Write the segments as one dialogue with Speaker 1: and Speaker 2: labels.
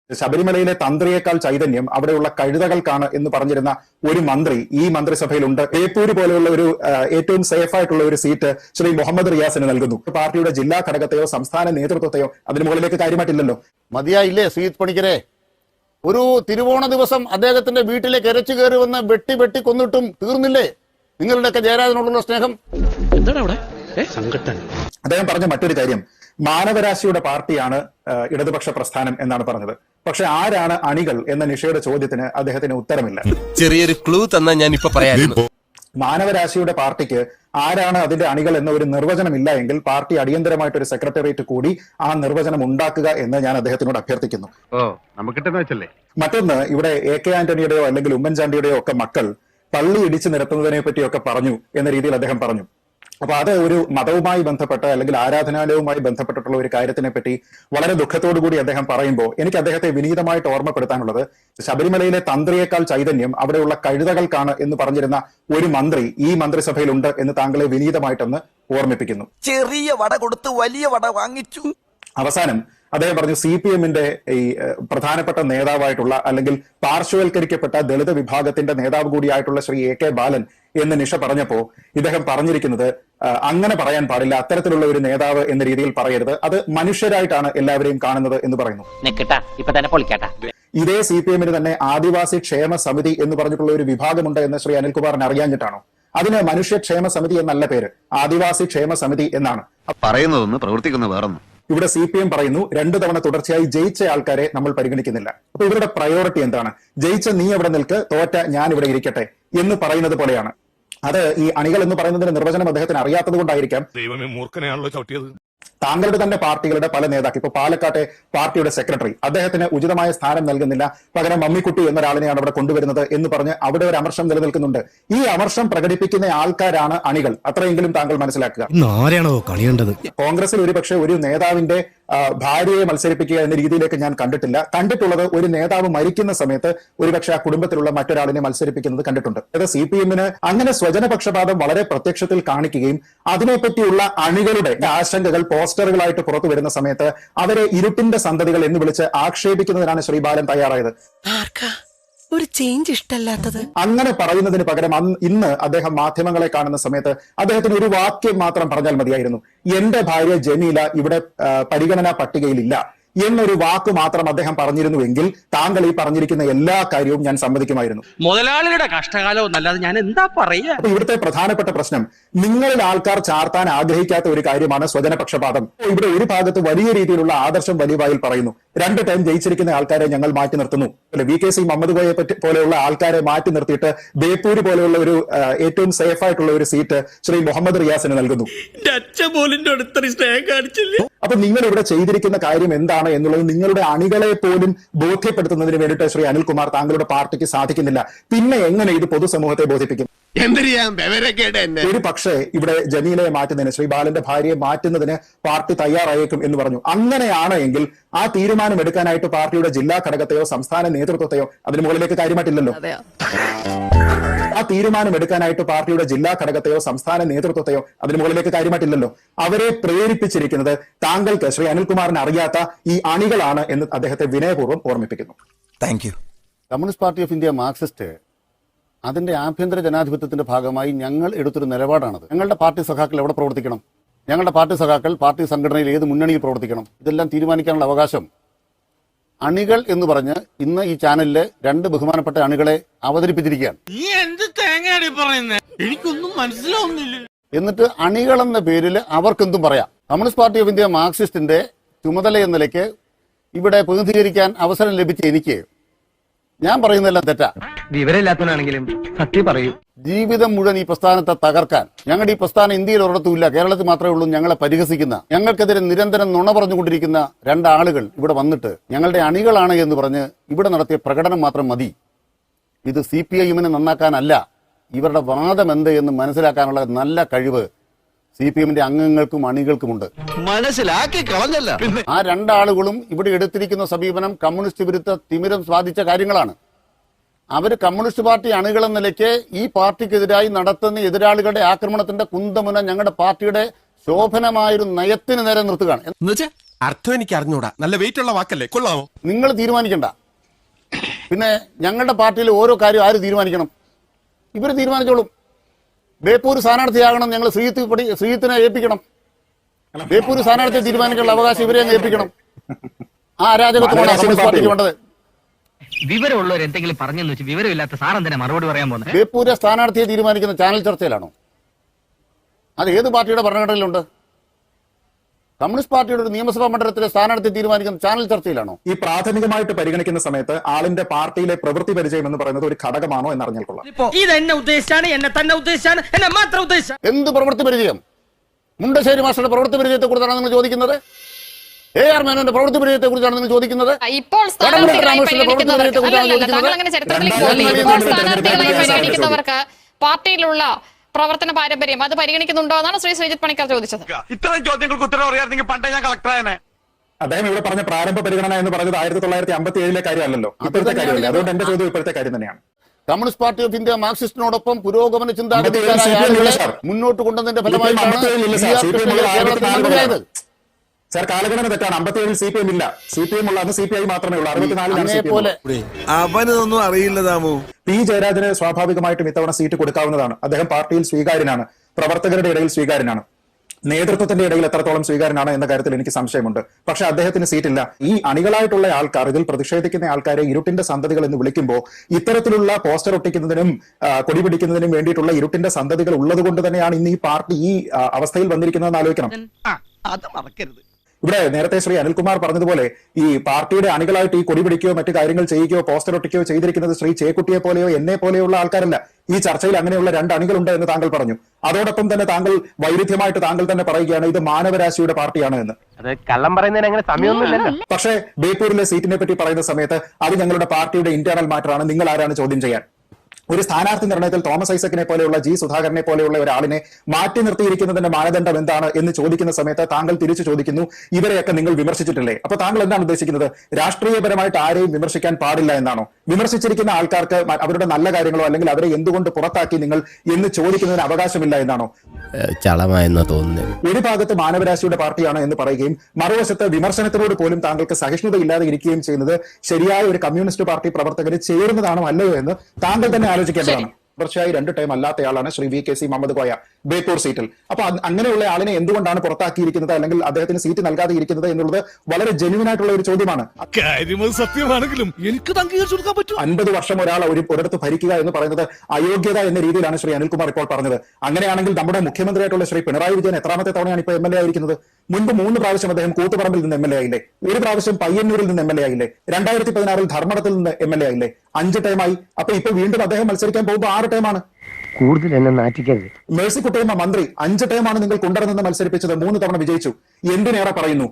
Speaker 1: ശബരിമലയിലെ തന്ത്രിയേക്കാൾ ചൈതന്യം അവിടെയുള്ള കഴുതകൾക്കാണ് എന്ന് പറഞ്ഞിരുന്ന ഒരു മന്ത്രി ഈ മന്ത്രിസഭയിലുണ്ട്. ബേപ്പൂര് പോലെയുള്ള ഒരു ഏറ്റവും സേഫ് ആയിട്ടുള്ള ഒരു സീറ്റ് ശ്രീ മുഹമ്മദ് റിയാസിന് നൽകുന്നു. പാർട്ടിയുടെ ജില്ലാ ഘടകത്തെയോ സംസ്ഥാന നേതൃത്വത്തെയോ അതിന് മുകളിലേക്ക് കാര്യമായിട്ടില്ലല്ലോ.
Speaker 2: മതിയായില്ലേ ശ്രീജിത്ത് പണിക്കരെ? ഒരു തിരുവോണ ദിവസം അദ്ദേഹത്തിന്റെ വീട്ടിലേക്ക് ഇരച്ചു കയറി വന്ന് വെട്ടി കൊന്നിട്ടും തീർന്നില്ലേ നിങ്ങളുടെയൊക്കെ ജയരാജനോടുള്ള സ്നേഹം?
Speaker 1: അദ്ദേഹം പറഞ്ഞ മറ്റൊരു കാര്യം, മാനവരാശിയുടെ പാർട്ടിയാണ് ഇടതുപക്ഷ പ്രസ്ഥാനം എന്നാണ് പറഞ്ഞത്. പക്ഷെ ആരാണ് അണികൾ എന്ന നിഷയുടെ ചോദ്യത്തിന് അദ്ദേഹത്തിന് ഉത്തരമില്ല.
Speaker 3: ചെറിയൊരു ക്ലൂ തന്നാ ഞാൻ ഇപ്പൊ പറയാം.
Speaker 1: മാനവരാശിയുടെ പാർട്ടിക്ക് ആരാണ് അതിന്റെ അണികൾ എന്ന ഒരു നിർവചനം ഇല്ല എങ്കിൽ പാർട്ടി അടിയന്തരമായിട്ടൊരു സെക്രട്ടേറിയറ്റ് കൂടി ആ നിർവചനം ഉണ്ടാക്കുക എന്ന് ഞാൻ അദ്ദേഹത്തിനോട് അഭ്യർത്ഥിക്കുന്നു. മറ്റൊന്ന്, ഇവിടെ AK ആന്റണിയുടെയോ അല്ലെങ്കിൽ ഉമ്മൻചാണ്ടിയുടെയോ ഒക്കെ മക്കൾ പള്ളി ഇടിച്ചു നിരത്തുന്നതിനെ പറ്റിയൊക്കെ പറഞ്ഞു എന്ന രീതിയിൽ അദ്ദേഹം പറഞ്ഞു. അപ്പൊ അത് ഒരു മതവുമായി ബന്ധപ്പെട്ട അല്ലെങ്കിൽ ആരാധനാലയവുമായി ബന്ധപ്പെട്ടിട്ടുള്ള ഒരു കാര്യത്തിനെ പറ്റി വളരെ ദുഃഖത്തോടു കൂടി അദ്ദേഹം പറയുമ്പോൾ എനിക്ക് അദ്ദേഹത്തെ വിനീതമായിട്ട് ഓർമ്മപ്പെടുത്താനുള്ളത്, ശബരിമലയിലെ തന്ത്രിയേക്കാൾ ചൈതന്യം അവിടെയുള്ള കഴുതകൾക്കാണ് എന്ന് പറഞ്ഞിരുന്ന ഒരു മന്ത്രി ഈ മന്ത്രിസഭയിലുണ്ട് എന്ന് താങ്കളെ വിനീതമായിട്ടൊന്ന് ഓർമ്മിപ്പിക്കുന്നു.
Speaker 4: ചെറിയ വട കൊടുത്ത് വലിയ വട വാങ്ങിച്ചു.
Speaker 1: അവസാനം അദ്ദേഹം പറഞ്ഞു, CPM-ന്റെ ഈ പ്രധാനപ്പെട്ട നേതാവായിട്ടുള്ള അല്ലെങ്കിൽ പാർശ്വവൽക്കരിക്കപ്പെട്ട ദളിത് വിഭാഗത്തിന്റെ നേതാവ് കൂടിയായിട്ടുള്ള ശ്രീ AK ബാലൻ എന്ന് നിഷ പറഞ്ഞപ്പോ ഇദ്ദേഹം പറഞ്ഞിരിക്കുന്നത്, അങ്ങനെ പറയാൻ പാടില്ല, അത്തരത്തിലുള്ള ഒരു നേതാവ് എന്ന രീതിയിൽ പറയരുത്, അത് മനുഷ്യരായിട്ടാണ് എല്ലാവരെയും കാണുന്നത് എന്ന് പറയുന്നു. ഇതേ CPM-ന് തന്നെ ആദിവാസി ക്ഷേമ സമിതി എന്ന് പറഞ്ഞിട്ടുള്ള ഒരു വിഭാഗമുണ്ട് എന്ന് ശ്രീ അനിൽകുമാറിന് അറിയാഞ്ഞിട്ടാണോ? അതിന് മനുഷ്യക്ഷേമ സമിതി എന്നല്ല പേര്, ആദിവാസി ക്ഷേമ സമിതി എന്നാണ്.
Speaker 5: പറയുന്നതൊന്ന് പ്രവർത്തിക്കുന്ന വേറൊന്നും.
Speaker 1: ഇവിടെ CPM പറയുന്നു 2 തവണ തുടർച്ചയായി ജയിച്ച ആൾക്കാരെ നമ്മൾ പരിഗണിക്കുന്നില്ല. അപ്പൊ ഇവരുടെ പ്രയോറിറ്റി എന്താണ്? ജയിച്ച നീ അവിടെ നിൽക്ക്, തോറ്റ ഞാൻ ഇവിടെ ഇരിക്കട്ടെ എന്ന് പറയുന്നത് പോലെയാണ്. അത് ഈ അണികൾ എന്ന് പറയുന്നതിന്റെ നിർവചനം അദ്ദേഹത്തിന് അറിയാത്തത് കൊണ്ടായിരിക്കാം.
Speaker 6: ദൈവമേ, മൂർഖനെയാണല്ലോ ചവിട്ടിയത്.
Speaker 1: താങ്കളുടെ തന്നെ പാർട്ടികളുടെ പല നേതാക്കൾ, ഇപ്പൊ പാലക്കാട്ടെ പാർട്ടിയുടെ സെക്രട്ടറി, അദ്ദേഹത്തിന് ഉചിതമായ സ്ഥാനം നൽകുന്നില്ല, പകരം മമ്മിക്കുട്ടി എന്നൊരാളിനെയാണ് അവിടെ കൊണ്ടുവരുന്നത് എന്ന് പറഞ്ഞ് അവിടെ ഒരു അമർഷം നിലനിൽക്കുന്നുണ്ട്. ഈ അമർഷം പ്രകടിപ്പിക്കുന്ന ആൾക്കാരാണ് അണികൾ, അത്രയെങ്കിലും താങ്കൾ മനസ്സിലാക്കുക. കോൺഗ്രസിൽ ഒരുപക്ഷെ ഒരു നേതാവിന്റെ ഭാര്യയെ മത്സരിപ്പിക്കുക എന്ന രീതിയിലേക്ക് ഞാൻ കണ്ടിട്ടില്ല. കണ്ടിട്ടുള്ളത് ഒരു നേതാവ് മരിക്കുന്ന സമയത്ത് ഒരുപക്ഷെ ആ കുടുംബത്തിലുള്ള മറ്റൊരാളിനെ മത്സരിപ്പിക്കുന്നത് കണ്ടിട്ടുണ്ട്. അത് CPM-ന് അങ്ങനെ സ്വജനപക്ഷപാതം വളരെ പ്രത്യക്ഷത്തിൽ കാണിക്കുകയും അതിനെപ്പറ്റിയുള്ള അണികളുടെ ആശങ്കകൾ പോസ്റ്ററുകളായിട്ട് പുറത്തു വരുന്ന സമയത്ത് അവരെ ഇരുട്ടിന്റെ സന്തതികൾ എന്ന് വിളിച്ച് ആക്ഷേപിക്കുന്നതിനാണ് ശ്രീ ബാലൻ തയ്യാറായത്.
Speaker 4: ഒരു ചേഞ്ച് ഇഷ്ടല്ലാത്തത്
Speaker 1: അങ്ങനെ പറയുന്നതിന് പകരം ഇന്ന് അദ്ദേഹം മാധ്യമങ്ങളെ കാണുന്ന സമയത്ത് അദ്ദേഹത്തിന് ഒരു വാക്യം മാത്രം പറഞ്ഞാൽ മതിയായിരുന്നു, എന്റെ ഭാര്യ ജമീല ഇവിടെ പരിഗണനാ പട്ടികയിലില്ല എന്നൊരു വാക്ക് മാത്രം അദ്ദേഹം പറഞ്ഞിരുന്നുവെങ്കിൽ താങ്കൾ ഈ പറഞ്ഞിരിക്കുന്ന എല്ലാ കാര്യവും ഞാൻ സമ്മതിക്കുമായിരുന്നു.
Speaker 7: മുതലാളിയുടെ കഷ്ടകാലവും അല്ലാതെ ഞാൻ എന്താ പറയാ.
Speaker 1: അപ്പൊ ഇവിടുത്തെ പ്രധാനപ്പെട്ട പ്രശ്നം, നിങ്ങളിൽ ആൾക്കാർ ചാർത്താൻ ആഗ്രഹിക്കാത്ത ഒരു കാര്യമാണ് സ്വജനപക്ഷപാതം. ഇവിടെ ഒരു ഭാഗത്ത് വലിയ രീതിയിലുള്ള ആദർശം വലിയ വായിൽ പറയുന്നു, 2 ടൈം ജയിച്ചിരിക്കുന്ന ആൾക്കാരെ ഞങ്ങൾ മാറ്റി നിർത്തുന്നു. VKC മുഹമ്മദ് കോയെ പോലെയുള്ള ആൾക്കാരെ മാറ്റി നിർത്തിയിട്ട് ബേപ്പൂര് പോലെയുള്ള ഒരു ഏറ്റവും സേഫ് ആയിട്ടുള്ള ഒരു സീറ്റ് ശ്രീ മുഹമ്മദ് റിയാസിന് നൽകുന്നു. അപ്പൊ നിങ്ങൾ ഇവിടെ ചെയ്തിരിക്കുന്ന കാര്യം എന്താണ് എന്നുള്ളത് നിങ്ങളുടെ അണികളെ പോലും ബോധ്യപ്പെടുത്തുന്നതിന് വേണ്ടിയിട്ട് ശ്രീ അനിൽകുമാർ താങ്കളുടെ പാർട്ടിക്ക് സാധിക്കുന്നില്ല. പിന്നെ എങ്ങനെ ഇത് പൊതുസമൂഹത്തെ ബോധിപ്പിക്കും? ഒരു പക്ഷേ ഇവിടെ ജമീലയെ മാറ്റുന്നതിന്, ശ്രീ ബാലന്റെ ഭാര്യയെ മാറ്റുന്നതിന് പാർട്ടി തയ്യാറായേക്കും എന്ന് പറഞ്ഞു. അങ്ങനെയാണ് എങ്കിൽ ആ തീരുമാനം എടുക്കാനായിട്ട് പാർട്ടിയുടെ ജില്ലാ ഘടകത്തെയോ സംസ്ഥാന നേതൃത്വത്തെയോ അതിന് മുകളിലേക്ക് കാര്യമായിട്ടില്ലല്ലോ. ആ തീരുമാനം എടുക്കാനായിട്ട് പാർട്ടിയുടെ ജില്ലാ ഘടകത്തെയോ സംസ്ഥാന നേതൃത്വത്തെയോ അതിന് മുകളിലേക്ക് കാര്യമായിട്ടില്ലല്ലോ. അവരെ പ്രേരിപ്പിച്ചിരിക്കുന്നത് താങ്കൾക്ക് ശ്രീ അനിൽകുമാറിന് അറിയാത്ത ഈ അണികളാണ് എന്ന് അദ്ദേഹത്തെ വിനയപൂർവ്വം ഓർമ്മിപ്പിക്കുന്നു.
Speaker 2: Communist party of India marxist അതിന്റെ ആഭ്യന്തര ജനാധിപത്യത്തിന്റെ ഭാഗമായി ഞങ്ങൾ എടുത്തൊരു നിലപാടാണത്. ഞങ്ങളുടെ പാർട്ടി സഖാക്കൾ എവിടെ പ്രവർത്തിക്കണം, ഞങ്ങളുടെ പാർട്ടി സഖാക്കൾ പാർട്ടി സംഘടനയിൽ ഏത് മുന്നണിയിൽ പ്രവർത്തിക്കണം, ഇതെല്ലാം തീരുമാനിക്കാനുള്ള അവകാശം അണികൾ എന്ന് പറഞ്ഞ് ഇന്ന് ഈ ചാനലിലെ 2 ബഹുമാനപ്പെട്ട അണികളെ അവതരിപ്പിച്ചിരിക്കുകയാണ്. എനിക്കൊന്നും മനസ്സിലാവുന്നില്ല. എന്നിട്ട് അണികൾ എന്ന പേരിൽ അവർക്കെന്തും പറയാം. കമ്മ്യൂണിസ്റ്റ് പാർട്ടി ഓഫ് ഇന്ത്യ മാർക്സിസ്റ്റിന്റെ ചുമതല എന്ന നിലയ്ക്ക് ഇവിടെ പ്രതിനിധീകരിക്കാൻ അവസരം ലഭിച്ച എനിക്ക് ഞാൻ പറയുന്നതെല്ലാം തെറ്റാ.
Speaker 7: വിവരമില്ലാത്തവനാണെങ്കിലും സത്യം പറയൂ.
Speaker 2: ജീവിതം മുഴുവൻ ഈ പ്രസ്ഥാനത്തെ തകർക്കാൻ, ഞങ്ങളുടെ ഈ പ്രസ്ഥാനം ഇന്ത്യയിൽ ഒരിടത്തുമില്ല, കേരളത്തിൽ മാത്രമേ ഉള്ളൂ, ഞങ്ങളെ പരിഹസിക്കുന്ന, ഞങ്ങൾക്കെതിരെ നിരന്തരം നുണ പറഞ്ഞുകൊണ്ടിരിക്കുന്ന 2 ആളുകൾ ഇവിടെ വന്നിട്ട് ഞങ്ങളുടെ അണികളാണ് എന്ന് പറഞ്ഞ് ഇവിടെ നടത്തിയ പ്രകടനം മാത്രം മതി. ഇത് CPM-നെ നന്നാക്കാനല്ല, ഇവരുടെ വാദം എന്ത് എന്ന് മനസ്സിലാക്കാനുള്ള നല്ല കഴിവ് CPM-ന്റെ അംഗങ്ങൾക്കും അണികൾക്കുമുണ്ട്. മനസ്സിലാക്കി കളഞ്ഞല്ല. ആ 2 ആളുകളും ഇവിടെ എടുത്തിരിക്കുന്ന സമീപനം കമ്മ്യൂണിസ്റ്റ് വിരുദ്ധ തിമിരം സ്വാധിച്ച കാര്യങ്ങളാണ്. അവര് കമ്മ്യൂണിസ്റ്റ് പാർട്ടി അണികളെന്ന നിലയ്ക്ക് ഈ പാർട്ടിക്കെതിരായി നടത്തുന്ന എതിരാളികളുടെ ആക്രമണത്തിന്റെ കുന്തമുന ഞങ്ങളുടെ പാർട്ടിയുടെ ശോഭനമായൊരു നയത്തിന് നേരെ നിർത്തുകയാണ്.
Speaker 3: എന്നുവെച്ചാ അർത്ഥം എനിക്ക് അറിഞ്ഞൂടാ. നല്ല വെയിറ്റ് ഉള്ള വാക്കല്ലേ, കൊള്ളാമോ?
Speaker 2: നിങ്ങൾ തീരുമാനിക്കണ്ട. പിന്നെ ഞങ്ങളുടെ പാർട്ടിയിൽ ഓരോ കാര്യം ആര് തീരുമാനിക്കണം? ഇവർ തീരുമാനിച്ചോളും. ബേപ്പൂർ സ്ഥാനാർത്ഥിയാകണം, ഞങ്ങൾ ശ്രീജിത്തിനെ ഏൽപ്പിക്കണം. ബേപ്പൂർ സ്ഥാനാർത്ഥിയെ തീരുമാനിക്കാനുള്ള അവകാശം ഇവരെ അങ്ങ് ഏൽപ്പിക്കണം. ആ അരാജകത്വമാണ് കമ്മ്യൂണിസ്റ്റ് പാർട്ടിക്ക് വേണ്ടത്.
Speaker 7: വിവരമുള്ളവർ എന്തെങ്കിലും പറഞ്ഞെന്ന് വെച്ച് വിവരമില്ലാത്ത സാറെന്തിനാ മറുപടി പറയാൻ പോകുന്നത്?
Speaker 2: ബേപ്പൂരെ സ്ഥാനാർത്ഥിയെ തീരുമാനിക്കുന്ന ചാനൽ ചർച്ചയിലാണോ? അത് ഏത് പാർട്ടിയുടെ ഭരണഘടനയിലുണ്ട്? കമ്മ്യൂണിസ്റ്റ് പാർട്ടിയുടെ ഒരു നിയമസഭാ മണ്ഡലത്തിലെ സ്ഥാനാർത്ഥി തീരുമാനിക്കുന്ന ചാനൽ ചർച്ചയിലാണോ?
Speaker 1: ഈ പ്രാഥമികമായിട്ട് പരിഗണിക്കുന്ന സമയത്ത് ആളിന്റെ പാർട്ടിയിലെ പ്രവൃത്തി പരിചയം എന്ന് പറയുന്നത് ഒരു ഘടകമാണോ എന്ന് അറിഞ്ഞാൽ കൊള്ളാം.
Speaker 7: ഇത് എന്നെ ഉദ്ദേശിച്ചാണ്, എന്നെ തന്നെ ഉദ്ദേശിച്ചാണ്, എന്നെ മാത്രം ഉദ്ദേശിച്ചാണ്.
Speaker 2: എന്ത് പ്രവൃത്തി പരിചയം? മുണ്ടശ്ശേരി മാസ്റ്ററുടെ പ്രവൃത്തി പരിചയത്തെ കുറിച്ചാണ് നിങ്ങൾ ചോദിക്കുന്നത്? AR മേനോന്റെ പ്രവൃത്തി പരിചയത്തെ കുറിച്ചാണ് നിങ്ങൾ ചോദിക്കുന്നത്?
Speaker 6: ഇപ്പോൾ സ്ഥാനാർത്ഥികളായി പരിഗണിക്കുന്നവർക്ക് താങ്കൾ അങ്ങനെ ചരിത്രത്തിലേക്ക് പോകുന്നില്ല. ഇപ്പോൾ സ്ഥാനാർത്ഥികളായി പരിഗണിക്കുന്നവർക്ക് പാർട്ടിയിലുള്ള പ്രവർത്തന പാരമ്പര്യം അത് പരിഗണിക്കുന്നുണ്ടോ എന്നാണ് ശ്രീ ശ്രീജിത്ത് പണിക്കർ ചോദിച്ചത്.
Speaker 8: ഇത്തരം ചോദ്യങ്ങൾക്ക് ഉത്തരം അറിയാമെങ്കിൽ പണ്ടേ ഞാൻ കളക്ടറായനെ.
Speaker 1: അദ്ദേഹം ഇവിടെ പറഞ്ഞ പ്രാരംഭ പരിഗണന എന്ന് പറഞ്ഞത് 1957 കാര്യമല്ലല്ലോ, ഇപ്പോഴത്തെ കാര്യമല്ല. അതുകൊണ്ട് എന്റെ ചോദ്യം ഇപ്പോഴത്തെ കാര്യം തന്നെയാണ്.
Speaker 2: കമ്മ്യൂണിസ്റ്റ് പാർട്ടി ഓഫ് ഇന്ത്യ മാർക്സിസ്റ്റിനോടൊപ്പം പുരോഗമന ചിന്താഗതിക്കാരായ ആളുകളെ മുന്നോട്ട് കൊണ്ടുവന്നതിന്റെ ഫലമായിട്ടാണ്
Speaker 1: സാർ കാലഗണന തെറ്റാണ്. 57 CPM ഇല്ല. CPM ഉള്ള അത് CPI മാത്രമേ ഉള്ളൂ. 64
Speaker 8: അവനൊന്നും അറിയില്ല താമോ.
Speaker 1: പി ജയരാജന് സ്വാഭാവികമായിട്ടും ഇത്തവണ സീറ്റ് കൊടുക്കാവുന്നതാണ്. അദ്ദേഹം പാർട്ടിയിൽ സ്വീകാര്യനാണ്, പ്രവർത്തകരുടെ ഇടയിൽ സ്വീകാര്യനാണ്, നേതൃത്വത്തിന്റെ ഇടയിൽ എത്രത്തോളം സ്വീകാര്യനാണ് എന്ന കാര്യത്തിൽ എനിക്ക് സംശയമുണ്ട്. പക്ഷെ അദ്ദേഹത്തിന് സീറ്റില്ല. ഈ അണികളായിട്ടുള്ള ആൾക്കാർ, ഇതിൽ പ്രതിഷേധിക്കുന്ന ആൾക്കാരെ ഇരുട്ടിന്റെ സന്തതികൾ എന്ന് വിളിക്കുമ്പോൾ ഇത്തരത്തിലുള്ള പോസ്റ്റർ ഒട്ടിക്കുന്നതിനും കൊടി പിടിക്കുന്നതിനും വേണ്ടിയിട്ടുള്ള ഇരുട്ടിന്റെ സന്തതികൾ ഉള്ളത് കൊണ്ട് തന്നെയാണ് ഇന്ന് ഈ പാർട്ടി ഈ അവസ്ഥയിൽ വന്നിരിക്കുന്നതെന്ന് ആലോചിക്കണം.
Speaker 4: അത് മറക്കരുത്.
Speaker 1: ഇവിടെ നേരത്തെ ശ്രീ അനിൽകുമാർ പറഞ്ഞതുപോലെ ഈ പാർട്ടിയുടെ അണികളായിട്ട് ഈ കൊടി പിടിക്കുകയോ മറ്റു കാര്യങ്ങൾ ചെയ്യുകയോ പോസ്റ്റർ ഒട്ടിക്കുകയോ ചെയ്തിരിക്കുന്നത് ശ്രീ ചേക്കുട്ടിയെ പോലെയോ എന്നെ പോലെയുള്ള ആൾക്കാരല്ല. ഈ ചർച്ചയിൽ അങ്ങനെയുള്ള 2 അണികളുണ്ട് എന്ന് താങ്കൾ പറഞ്ഞു. അതോടൊപ്പം തന്നെ താങ്കൾ വൈരുദ്ധ്യമായിട്ട് താങ്കൾ തന്നെ പറയുകയാണ് ഇത് മാനവരാശിയുടെ പാർട്ടിയാണ് എന്ന്.
Speaker 7: അത് കള്ളം പറയുന്നതിന് അങ്ങനെ സമയമൊന്നുമില്ലല്ലോ.
Speaker 1: പക്ഷേ ബേപ്പൂരിലെ സീറ്റിനെ പറ്റി പറയുന്ന സമയത്ത് അത് ഞങ്ങളുടെ പാർട്ടിയുടെ ഇന്റേണൽ മാറ്ററാണ്, നിങ്ങൾ ആരാണ് ചോദ്യം ചെയ്യാൻ? ഒരു സ്ഥാനാർത്ഥി നിർണയത്തിൽ തോമസ് ഐസക്കിനെ പോലെയുള്ള ജി സുധാകരനെ പോലെയുള്ള ഒരാളിനെ മാറ്റി നിർത്തിയിരിക്കുന്നതിന്റെ മാനദണ്ഡം എന്താണ് എന്ന് ചോദിക്കുന്ന സമയത്ത് താങ്കൾ തിരിച്ചു ചോദിക്കുന്നു ഇവരെയൊക്കെ നിങ്ങൾ വിമർശിച്ചിട്ടില്ലേ? അപ്പൊ താങ്കൾ എന്താണ് ഉദ്ദേശിക്കുന്നത്? രാഷ്ട്രീയപരമായിട്ട് ആരെയും വിമർശിക്കാൻ പാടില്ല എന്നാണോ? വിമർശിച്ചിരിക്കുന്ന ആൾക്കാർക്ക് അവരുടെ നല്ല കാര്യങ്ങളോ അല്ലെങ്കിൽ അവരെ എന്തുകൊണ്ട് പുറത്താക്കി നിങ്ങൾ എന്ന് ചോദിക്കുന്നതിന് അവകാശമില്ല എന്നാണോ?
Speaker 3: ചളമായെന്നാ തോന്നുന്നത്.
Speaker 1: ഒരു ഭാഗത്ത് മാനവരാശിയുടെ പാർട്ടിയാണ് എന്ന് പറയുകയും മറുവശത്ത് വിമർശനത്തിനോട് പോലും താങ്കൾക്ക് സഹിഷ്ണുതയില്ലാതെ ഇരിക്കുകയും ചെയ്യുന്നത് ശരിയായ ഒരു കമ്മ്യൂണിസ്റ്റ് പാർട്ടി പ്രവർത്തകന് ചേരുന്നതാണോ അല്ലയോ എന്ന് താങ്കൾ തന്നെ ആലോചിക്കേണ്ടതാണ്. തുടർച്ചയായി 2 ടൈം അല്ലാത്തയാളാണ് ശ്രീ VKC മുഹമ്മദ് കോയ ബേപ്പൂർ സീറ്റിൽ. അപ്പൊ അങ്ങനെയുള്ള ആളിനെ എന്തുകൊണ്ടാണ് പുറത്താക്കിയിരിക്കുന്നത് അല്ലെങ്കിൽ അദ്ദേഹത്തിന് സീറ്റ് നൽകാതെ ഇരിക്കുന്നത് എന്നുള്ളത് വളരെ ജെന്യുവൻ ആയിട്ടുള്ള ഒരു ചോദ്യമാണ്.
Speaker 8: സത്യമാണെങ്കിലും എനിക്ക് അംഗീകരിച്ചു കൊടുക്കാൻ പറ്റും.
Speaker 1: 50 വർഷം ഒരാൾ ഒരിടത്ത് ഭരിക്കുക എന്ന് പറയുന്നത് അയോഗ്യത എന്ന രീതിയിലാണ് ശ്രീ അനിൽകുമാർ ഇപ്പോൾ പറഞ്ഞത്. അങ്ങനെയാണെങ്കിൽ നമ്മുടെ മുഖ്യമന്ത്രിയായിട്ടുള്ള ശ്രീ പിണറായി വിജയൻ എത്രാമത്തെ തവണയാണ് ഇപ്പോൾ MLA ആയിരിക്കുന്നത്? മുൻപ് 3 പ്രാവശ്യം അദ്ദേഹം കൂത്തുപറമ്പിൽ നിന്ന് MLA ആയില്ലേ? 1 പ്രാവശ്യം പയ്യന്നൂരിൽ നിന്ന് MLA ആയില്ലേ? 2016 ധർമ്മടത്തിൽ നിന്ന് MLA ആയില്ലേ? 5 ടൈമായി. അപ്പൊ ഇപ്പൊ വീണ്ടും അദ്ദേഹം മത്സരിക്കാൻ പോകുമ്പോൾ 6 ടൈമാണ്.
Speaker 7: കൂടുതൽ എന്നെ നാറ്റിക്കരുത്.
Speaker 1: മേഴ്സിക്കുട്ടിയമ്മ മന്ത്രി 5 ടൈമാണ് നിങ്ങൾ കൊണ്ടുവരുന്നത് മത്സരിപ്പിച്ചത്, 3 തവണ വിജയിച്ചു. എന്തിനേറെ പറയുന്നു,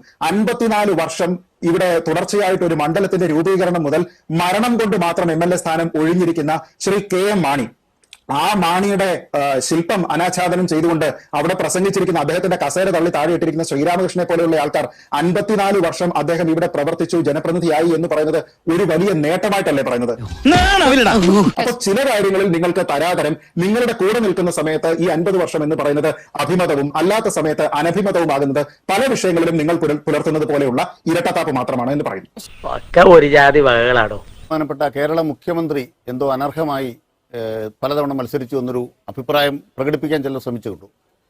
Speaker 1: 54 വർഷം ഇവിടെ തുടർച്ചയായിട്ട് ഒരു മണ്ഡലത്തിന്റെ രൂപീകരണം മുതൽ മരണം കൊണ്ട് മാത്രം MLA സ്ഥാനം ഒഴിഞ്ഞിരിക്കുന്ന ശ്രീ KM മാണി, ആ മാണിയുടെ ശില്പം അനാച്ഛാദനം ചെയ്തുകൊണ്ട് അവിടെ പ്രസംഗിച്ചിരിക്കുന്ന അദ്ദേഹത്തിന്റെ കസേര തള്ളി താഴെയിട്ടിരിക്കുന്ന ശ്രീരാമകൃഷ്ണനെ പോലെയുള്ള ആൾക്കാർ 54 വർഷം അദ്ദേഹം ഇവിടെ പ്രവർത്തിച്ചു, ജനപ്രതിനിധിയായി എന്ന് പറയുന്നത് ഒരു വലിയ നേട്ടമായിട്ടല്ലേ പറയുന്നത്? അപ്പൊ ചില കാര്യങ്ങളിൽ നിങ്ങൾക്ക് തരാതരം, നിങ്ങളുടെ കൂടെ നിൽക്കുന്ന സമയത്ത് ഈ 50 വർഷം എന്ന് പറയുന്നത് അഭിമതവും അല്ലാത്ത സമയത്ത് അനഭിമതവുമാകുന്നത് പല വിഷയങ്ങളിലും നിങ്ങൾ പുലർത്തുന്നത് പോലെയുള്ള ഇരട്ടത്താപ്പ് മാത്രമാണ് എന്ന് പറയുന്നു.
Speaker 7: ഒരു ജാതി വകകളാണോ?
Speaker 2: ബഹുമാനപ്പെട്ട കേരള മുഖ്യമന്ത്രി എന്തോ അനർഹമായി പലതവണ മത്സരിച്ചു എന്നൊരു അഭിപ്രായം പ്രകടിപ്പിക്കാൻ ചിലർ ശ്രമിച്ചുകൊണ്ടു.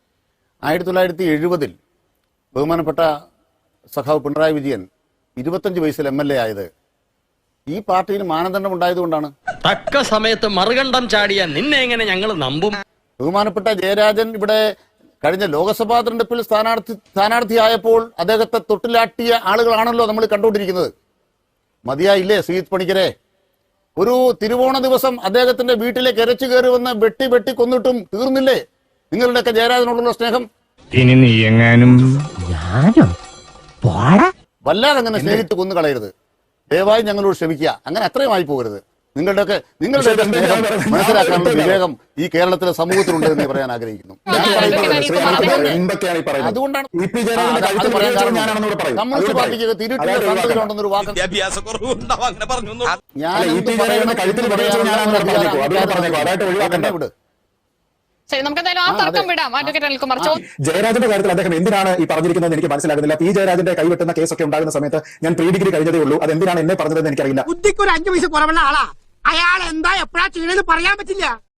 Speaker 2: 1970 ബഹുമാനപ്പെട്ട സഖാവ് പിണറായി വിജയൻ 25 വയസ്സിൽ MLA ആയത് ഈ പാർട്ടിയിൽ മാനദണ്ഡം ഉണ്ടായതുകൊണ്ടാണ്.
Speaker 7: തക്ക സമയത്ത് മറുകണ്ഠം ചാടിയ നിന്നെ എങ്ങനെ ഞങ്ങൾ നമ്പും?
Speaker 2: ബഹുമാനപ്പെട്ട ജയരാജൻ ഇവിടെ കഴിഞ്ഞ ലോക്സഭാ തെരഞ്ഞെടുപ്പിൽ സ്ഥാനാർത്ഥിയായപ്പോൾ അദ്ദേഹത്തെ തൊട്ടിലാട്ടിയ ആളുകളാണല്ലോ നമ്മൾ കണ്ടുകൊണ്ടിരിക്കുന്നത്. മതിയായില്ലേ ശ്രീജിത്ത് പണിക്കരെ? ഒരു തിരുവോണ ദിവസം അദ്ദേഹത്തിന്റെ വീട്ടിലേക്ക് ഇരച്ചു കയറി വന്ന് വെട്ടി കൊന്നിട്ടും തീർന്നില്ലേ നിങ്ങളുടെയൊക്കെ ജയരാജനോടുള്ള സ്നേഹം?
Speaker 8: ഇനി നീ എങ്ങാനും
Speaker 2: വല്ലാതെ അങ്ങനെ സ്നേഹിച്ച് കൊന്നു കളയരുത്. ദയവായി ഞങ്ങളോട് ക്ഷമിക്കുക. അങ്ങനെ അത്രയും ആയി പോകരുത്. നിങ്ങളുടെ സ്നേഹം മനസ്സിലാക്കാനുള്ള വിവേകം ഈ കേരളത്തിലെ സമൂഹത്തിലുണ്ട് എന്ന് പറയാൻ ആഗ്രഹിക്കുന്നു. അതുകൊണ്ടാണ് കമ്മ്യൂണിസ്റ്റ് പാർട്ടിക്ക് തിരുട്ടിയ സന്തതികളുണ്ടെന്നൊരു വാക്ക് ഞാൻ
Speaker 6: ശരി, നമുക്ക് എന്തായാലും ആ തർക്കം വിടാം. അഡ്വക്കേറ്റ് അനിൽകുമാർ
Speaker 1: ജയരാജന്റെ കാര്യത്തിൽ അദ്ദേഹം എന്തിനാണ് ഈ പറഞ്ഞിരിക്കുന്നത് എനിക്ക് മനസ്സിലാകുന്നില്ല. പി ജയരാജന്റെ കൈവെട്ടുന്ന കേസൊക്കെ ഉണ്ടാകുന്ന സമയത്ത് ഞാൻ പ്രീ ഡിഗ്രി കഴിഞ്ഞതേ ഉള്ളൂ. അത് എന്തിനാണ് എന്നെ പറഞ്ഞതെന്ന് എനിക്കറിയില്ല.
Speaker 4: ബുദ്ധിക്ക് ഒരു 5 പൈസ കുറവുള്ള ആളാ. അയാൾ എന്താ എപ്പോഴാ ചെയ്യണമെന്ന് പറയാൻ പറ്റില്ല.